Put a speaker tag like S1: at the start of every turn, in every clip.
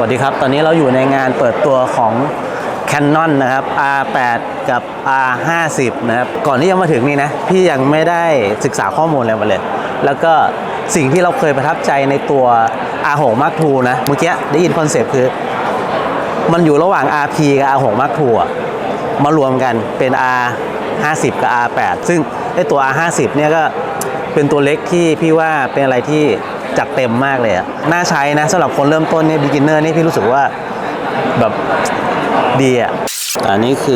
S1: วัสดีครับตอนนี้เราอยู่ในงานเปิดตัวของ Canon นะครับ R8 กับ R50 นะครับก่อนที่จะมาถึงนี่นะพี่ยังไม่ได้ศึกษาข้อมูลอะไรมาเลยแล้วก็สิ่งที่เราเคยประทับใจในตัว R6 Mark II นะเมื่อกี้ได้ยินคอนเซปต์คือมันอยู่ระหว่าง RP กับ R6 Mark II มารวมกันเป็น R50 กับ R8 ซึ่งไอตัว R50 เนี่ยก็เป็นตัวเล็กที่พี่ว่าเป็นอะไรที่จัดเต็มมากเลยอะน่าใช้นะสำหรับคนเริ่มต้นเนี่ย beginner นี่พี่รู้สึกว่าแบบดีอะอันนี้คือ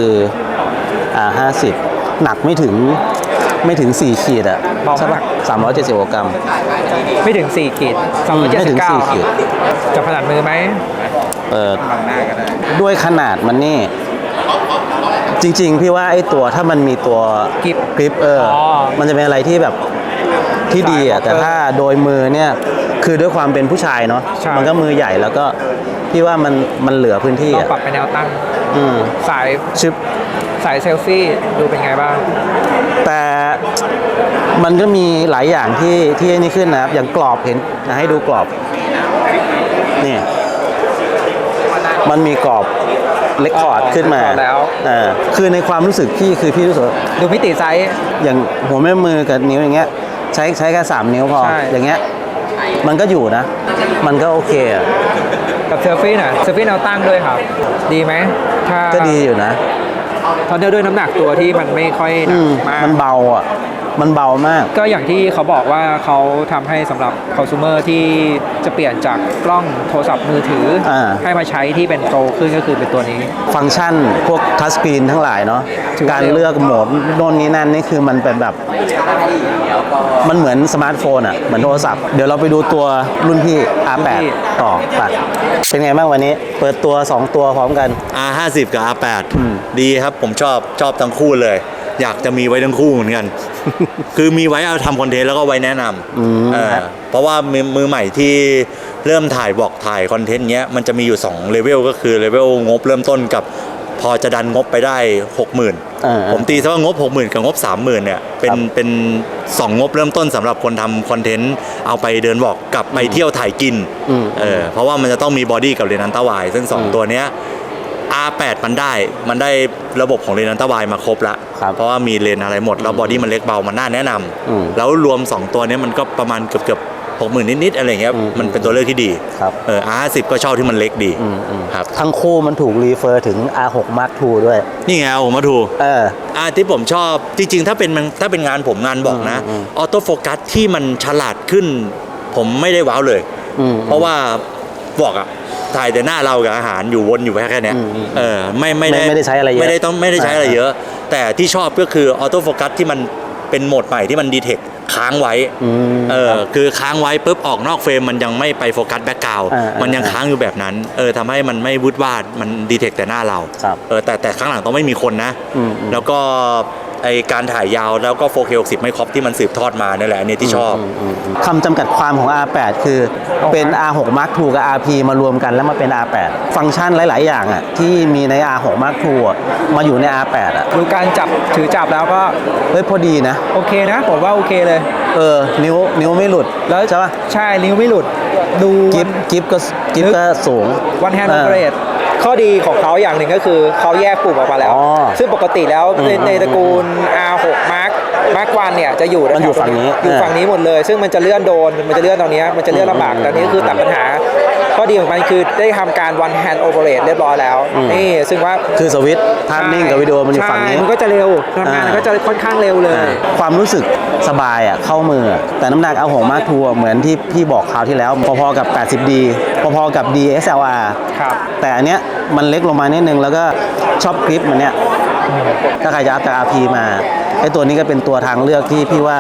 S1: R50 หนักไม่ถึง4ขีดอะใช่ปะ370 กรัม
S2: ไม่ถึง4ขีด
S1: ไม่ถึง4ขีด
S2: จับขนาดมือไหม
S1: เปิดด้วยขนาดมันนี่จริงๆพี่ว่าไอ้ตัวถ้ามันมีตัวกริปมันจะเป็นอะไรที่แบบที่ดีอ่ะแต่ถ้าโดยมือเนี่ยคือด้วยความเป็นผู้ชายเนาะมันก็มือใหญ่แล้วก็พี่ว่ามันเหลือพื้นที่
S2: ต้องปรับไปแนวตั้งสาย
S1: ชิป
S2: สายเซลฟี่ดูเป็นไงบ้าง
S1: แต่มันก็มีหลายอย่างที่นี่ขึ้นนะครับอย่างกรอบเห็นนะให้ดูกรอบนี่มันมีกรอบเรคคอร์ดขึ้นมา
S2: แล้ว
S1: คือในความรู้สึกพี่รู้สึก
S2: ดูมิติไซส์
S1: อย่างหัวแม่มือกับนิ้วอย่างเงี้ยใช้แค่3นิ้วพออย่างเงี้ยมันก็อยู่นะมันก็โอเคอ่ะ
S2: กับเซลฟี่น่ะเซลฟี่แนวตั้งด้วยครับดีไหมถ้า
S1: ก็ดีอยู่นะ
S2: ตอนเดียวด้วยน้ำหนักตัวที่มันไม่ค่อยหนักมาก
S1: มันเบาอ่ะมันเบามาก
S2: ก็อย่างที่เขาบอกว่าเขาทำให้สำหรับคอน sumer ที่จะเปลี่ยนจากกล้องโทรศัพท์มือถือให้มาใช้ที่เป็นโปรขึ้นก็คือเป็นตัวนี้
S1: ฟังก์ชันพวกทัชสกรีนทั้งหลายเนาะการเลือกโหมดโน่นนี้นั่นนี่คือมันเป็นแบบมันเหมือนสมาร์ทโฟนอ่ะเหมือนโทรศัพท์เดี๋ยวเราไปดูตัวรุ่นพี่ R8 ต่อไปเป็นไงบ้างวันนี้เปิดตัว2ตัวพร้อมกัน
S3: R50 กับ R8 ดีครับผมชอบทั้งคู่เลยอยากจะมีไว้ทั้งคู่เหมือนกัน คือมีไว้เอาทำคอนเทนต์แล้วก็ไว้แนะนำเพราะว่ามือใหม่ที่เริ่มถ่ายคอนเทนต์เนี้ยมันจะมีอยู่2เลเวลก็คือเลเวลงบเริ่มต้นกับพอจะดันงบไปได้ 60,000 ผมตีซะว่างบ 60,000 กับงบ 30,000 เนี่ยเป็น2งบเริ่มต้นสำหรับคนทำคอนเทนต์เอาไปเดินวอล์กกับไปเที่ยวถ่ายกินเพราะว่ามันจะต้องมีบอดี้กับเรนอันต้าวายซึ่ง2ตัวเนี้ยR8 มันได้ระบบของเลนอันต้าวายมาครบละเพราะว่ามีเลนอะไรหมดแล้วบอดี้มันเล็กเบามันน่าแนะนำแล้วรวม2ตัวนี้มันก็ประมาณเกือบ 60,000 นิดๆอะไรเงี้ยมันเป็นตัวเลือกที่ดีR50 ก็ชอบที่มันเล็กดีครับ
S1: ทั้งคู่มันถูกรีเฟอร์ถึง R6 Mark II ด้วย
S3: นี่ไงผมมาถูกที่ผมชอบจริงๆถ้าเป็นงานผมงานบอกนะออโต้โฟกัสที่มันฉลาดขึ้นผมไม่ได้ว้าวเลยเพราะว่าบอกอะถ่ายแต่หน้าเรากับอาหารอยู่วนอยู่แค่นี้ไม่
S1: ได้ใช้อะไรเยอะ
S3: ไม่ได้ใช้อะไรเยอะแต่ที่ชอบก็คือออโต้โฟกัสที่มันเป็นโหมดใหม่ที่มันดีเทคค้างไว้คือค้างไว้ปุ๊บออกนอกเฟรมมันยังไม่ไปโฟกัสแบ็คกราวด์มันยังค้างอยู่แบบนั้นทำให้มันไม่วุดวาดมันดีเทคแต่หน้าเราแต่ข้างหลังต้องไม่มีคนนะแล้วก็ไอการถ่ายยาวแล้วก็ 4K 60ไม่ครบที่มันสืบทอดมานี่แหละอันนี้ที่ชอบ
S1: คำจำกัดความของ R8 คือเป็น R6 Mark II กับ RP มารวมกันแล้วมาเป็น R8 ฟังก์ชันหลายๆอย่างอ่ะที่มีใน R6 Mark II มาอยู่ใน R8 อ่ะ
S2: ดูการถือจับแล้วก็
S1: พอดีนะ
S2: โอเคนะผมว่าโอเคเลย
S1: นิ้วไม่หลุด
S2: แล้ว
S1: ใช่ป่ะ
S2: ใช่นิ้วไม่หลุดดู
S1: กิฟก็สูง
S2: One Hand Operateข้อดีของเขาอย่างหนึ่งก็คือเขาแยกปุ่มออกมาแล้วซึ่งปกติแล้วในตระกูล R6 Mark 1เนี่ยจะอยู่
S1: ฝั่ง
S2: นี้หมดเลยซึ่งมันจะเลื่อนมันจะเลื่อนตรงนี้มันจะเลื่อนลำบากแต่นี้คือตัดปัญหาข้อดีของมันคือได้ทำการ One Hand Operate เรียบร้อยแล้วนี่ซึ่งว่า
S1: คือสวิตช์ภาพนิ่งกับวิดีโอมันอยู่ฝั่งนี้
S2: มันก็จะเร็วทำงานมันก็จะค่อนข้างเร็วเลย
S1: ความรู้สึกสบายอ่ะเข้ามือแต่น้ำหนักR6 Mark IIเหมือนที่พี่บอกคราวที่แล้วพอๆกับ 80D พอๆกับ DSLR แต่อันเนี้ยมันเล็กลงมานิดนึงแล้วก็ชอบคลิปมันเนี้ยถ้าใครจะอัพจาก RP มาไอ้ตัวนี้ก็เป็นตัวทางเลือกที่พี่ว่า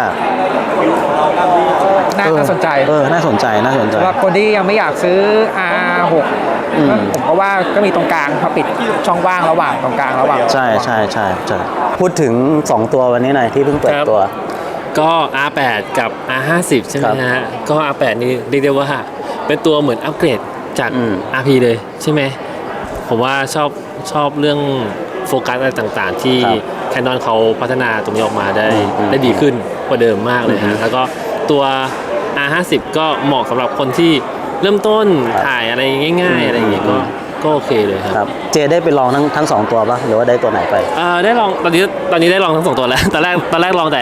S2: น่าสนใจ
S1: น่าสนใจ
S2: สำหรับคนที่ยังไม่อยากซื้อ R6 ผมก็ว่าก็มีตรงกลางพอปิดช่องว่างระหว่างตรงกลางระหว่าง
S1: ใช่พูดถึง2ตัววันนี้หน่อยที่เพิ่งเปิดตัว
S4: ก็ R8 กับ R50 ใช่ไหมฮะก็ R8 นี่เรียกได้ว่าเป็นตัวเหมือนอัปเกรดจาก RP เลยใช่ไหมผมว่าชอบเรื่องโฟกัสอะไรต่างๆที่ Canon เขาพัฒนาตรงนี้ออกมาได้ดีขึ้นกว่าเดิมมากเลยฮะแล้วก็ตัว R50 ก็เหมาะสำหรับคนที่เริ่มต้น
S1: ครับ
S4: ถ่ายอะไรง่าย ๆ อะไรอย่างเงี้ยก็โอเคเลยครับ
S1: ครับเจได้ไปลองทั้งสองตัวปะหรือว่าได้ตัวไหนไป
S4: ได้ลองตอนนี้ได้ลองทั้งสองตัวแล้ว ตอนแรกลองแต่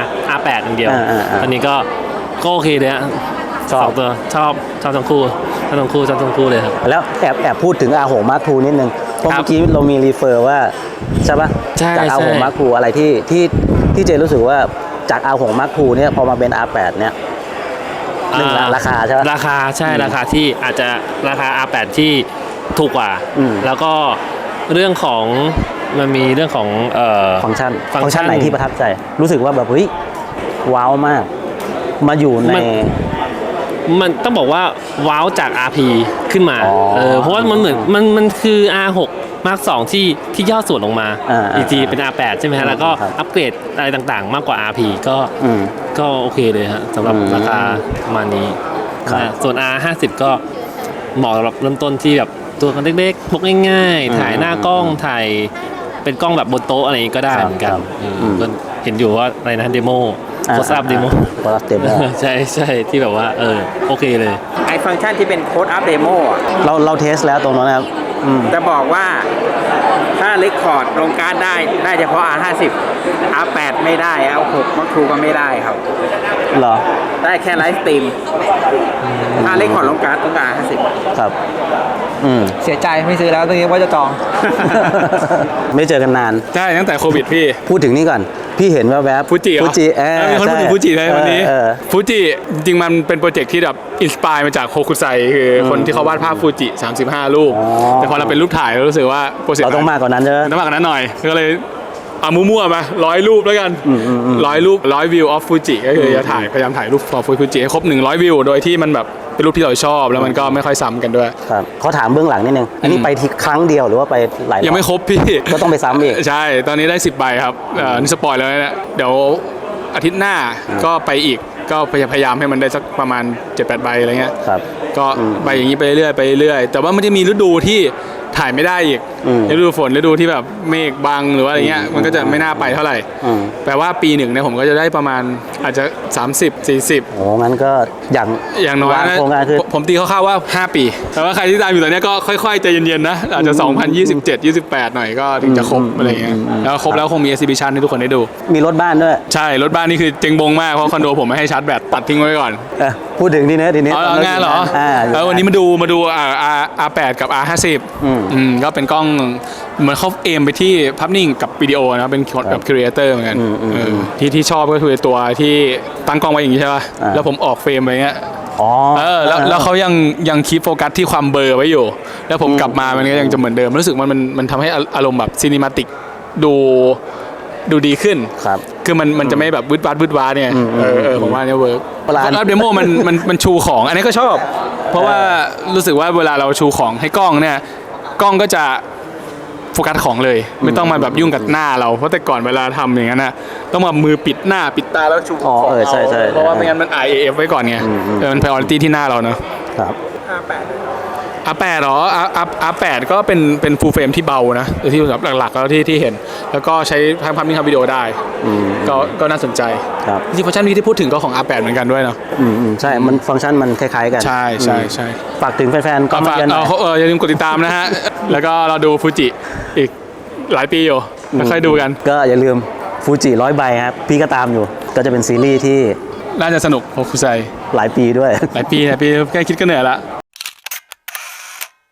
S4: R8 อย่างเดียว
S1: อ่า
S4: ตอนนี้ก็โอเคเลยฮะ
S1: ชอบ
S4: สองตัวชอบทั้งคู่ชอบทั้งคู่เลยครับ
S1: แล้วแอบพูดถึงอาหงมาร์คทูนิดนึงเพราะ
S4: ครับ
S1: เมื่อกี้เรามีรีเฟอร์ว่าใช่ปะ
S4: ใช่
S1: จากอาหง
S4: ใช่
S1: มาร์คทูอะไรที่เจรู้สึกว่าจากอาหงมาร์คทูเนี่ยพอมาเป็น R8 เนี่ยหนึ่งละราคาใช่ปะ
S4: ราคาใช่ราคาที่อาจจะราคา R8 ที่ถูกกว่า
S1: อืม
S4: แล้วก็เรื่องของมันมีเรื่องของ
S1: ฟังก์ชัน
S4: ฟังก์ชัน
S1: ไหนที่ประทับใจ รู้สึกว่าแบบเฮ้ยว้าวมาก มาอยู่ใน
S4: มันต้องบอกว่าว้าวจาก RP ขึ้นมา
S1: อ๋อ
S4: เพราะว่ามันเหมือนมันคือ R6 Mark 2ที่ย่อส่วนลงมา อีกทีเป็น R8 ใช่ไหมฮะแล้วก็
S1: ครับ
S4: อัปเกรดอะไรต่างๆ มากกว่า RP
S1: อืม
S4: ก็โอเคเลยฮะสำหรับ
S1: อืม
S4: ราคาประมาณนี้
S1: ครับ
S4: ส่วน R50 ก็เหมาะสำหรับเริ่มต้นที่แบบตัวกันเล็กๆพกง่ายๆ ถ่ายหน้ากล้องถ่ายเป็นกล้องแบบบนโต๊ะอะไรอย่างงี้ก็ได้เหมือนกัน
S1: ครับ
S4: ก็เห็นอยู่ว่าอะไรนะเดโมโคสอัพเดโม
S1: โคสอัพเดโม
S4: ใช่ที่แบบว่าโอเคเลย
S2: ไอฟังก์ชันที่เป็นโค้ดอัพเดโมอ่ะ
S1: เราเทสแล้วตรงนั้นนะครับ
S2: จะบอกว่าถ้าเรคคอร์ดลงการ์ดได้เฉพาะ R50 R8 ไม่ได้ R6 Mark II ก็ไม่ได้ครับ
S1: เหรอ
S2: ได้แค่ไลฟ์สตรีมถ้าเรคคอร์ดลงการ์ดต้องการ R50
S1: ครับ อืม
S2: เสียใจไม่ซื้อแล้วตอนนี้ว่าจะจอง
S1: ไม่เจอกันนาน
S5: ใช่ตั้งแต่โควิดพี่
S1: พูดถึงนี่ก่อน พี่เห็นแวบๆ
S5: ฟูจิเหรอ
S1: ฟูจิ
S5: มีคนพูดถึงฟูจิในวันนี้
S1: เออ
S5: ฟูจิจริงๆมันเป็นโปรเจกต์ที่แบบอินสปายมาจากโฮคุไซคือคนที่เขาวาดภาพฟูจิ 35 รูป
S1: อ๋อ
S5: แต่พอเราเป็นรูปถ่ายเรารู้สึกว่าโปรเจกต์
S1: เราต้องมากกว่านั้นใช่ไหม
S5: ต้องมากกว่านั้นหน่อย ก็เลยเอามั่วๆมา100 รูปแล้วกัน100 รูป100 วิวออฟฟูจิก็คือจะพยายามถ่ายรูปฟูจิให้ครบ100 วิวโดยที่มันแบบเป็นรูปที่เราชอบแล้วมันก็ไม่ค่อยซ้ำกันด้วย
S1: ครับเขาถามเบื้องหลังนิดนึง อันนี้ไปทีครั้งเดียวหรือว่าไปหลายรอบ
S5: ยังไม่ครบพี่
S1: ก็ต้องไปซ้ำอีก
S5: ใช่ ตอนนี้ได้ 10 ใบครับนี่สปอยแล้วนะเดี๋ยวอาทิตย์หน้าก็ไปอีก ก็พยายามให้มันได้สักประมาณ 7-8 ใบอะไรเงี้ย
S1: ครับ
S5: ก็ใบอย่างนี้ไปเรื่อยๆ แต่ว่ามันจะมีฤดูที่ถ่ายไม่ได้อีก ฤดูฝนฤดูที่แบบเมฆบังหรือว่าอะไรเงี้ย มันก็จะไม่น่าไปเท่าไหร่ แปลว่าปีหนึ่งเนี่ยผมก็จะได้ประมาณอาจจะ 30-40
S1: โอ้งั้นก็อย่าง
S5: น้อยว
S1: าง
S5: นะ
S1: โครงการคือ
S5: ผมตีคร่าวๆว่า 5 ปี แต่ว่าใครที่ตามอยู่ตอนเนี้ยก็ค่อยๆใจเย็นๆนะ อาจจะ 2027-28 หน่อยก็ถึงจะครบอะไรเงี้ย แล้วครบแล้วคงมี exhibition ให้ทุกคนได้ดู
S1: มีรถบ้านด้วย
S5: ใช่ รถบ้านนี่คือเจ๊งบงมาก เพราะคอนโดผมไม่ให้ชาร์จแบตตัดทิ้งไว้ก่อน
S1: พูดถึงทีนี้
S5: เอางานเหรอ วันนี้มาดูR8 กับ R50 ก็เป็นกล้องเหมือนเขาเอมไปที่ภาพนิ่งกับวิดีโอนะเป็นแบบครีเอเตอร์เหมือนกันที่ชอบก็คือตัวที่ตั้งกล้องไว้อย่างนี้ใช่ป่ะแล้วผมออกเฟรมอะไรเงี้ย
S1: อ๋อ
S5: แล้วเขายังคีปโฟกัสที่ความเบลอไว้อยู่ แล้วผมกลับมามันก็ยังจะเหมือนเดิมรู้สึกมันทำให้อารมณ์แบบซีนิมาติกดูดีขึ้น
S1: ครับ
S5: คือมันจะไม่แบบวืดวาดเนี่ยผมว่าเนี่ยเวิร์ก
S1: เวลา
S5: อัพเดโมมันชูของ อันนี้ก็ชอบ เพราะว่ารู้สึกว่าเวลาเราชูของให้กล้องเนี่ยกล้องก็จะโฟกัสของเลย ไม่ต้องมาแบบยุ่งกับหน้าเราเพราะแต่ก่อนเวลาทำอย่างนั้นนะต้องมามือปิดหน้าปิดตาแล้วชูของ
S1: ใช่
S5: เพราะว่าไม่งั้นมัน IAF ไว้ก่อนไงมัน priority ที่หน้าเราเนอะ
S1: ครับ
S5: R8 เหรอ R8 ก็เป็น full frame ที่เบานะที่แบบหลักๆแล้วที่เห็น แล้วก็ใช้ทั้งภาพนิ่งทำวิดีโอได้ก็น่าสนใจ
S1: ครับ
S5: จริงๆฟังก์ชันนี้ที่พูดถึงก็ของ R8 เหมือนกันด้วยเนาะ
S1: ใช่ มันฟังก์ชันมันคล้ายๆกัน
S5: ใช่
S1: ฝากถึงแฟนๆก็
S5: ก็
S1: มา
S5: ฝาก
S1: เยอะหน่อย
S5: อย่าลืมกดติดตามนะฮะ แล้วก็เราดูฟูจิอีกหลายปีอยู่ค่อยๆดูกัน
S1: ก็อย่าลืมฟูจิ100 ใบครับ พี่ก็ตามอยู่ ก็จะเป็นซีรีส์ที่
S5: น่าจะสนุกโฮคุไซ
S1: หลายปีด้วย
S5: หลายปีแค่คิดก็เหนื่อยละ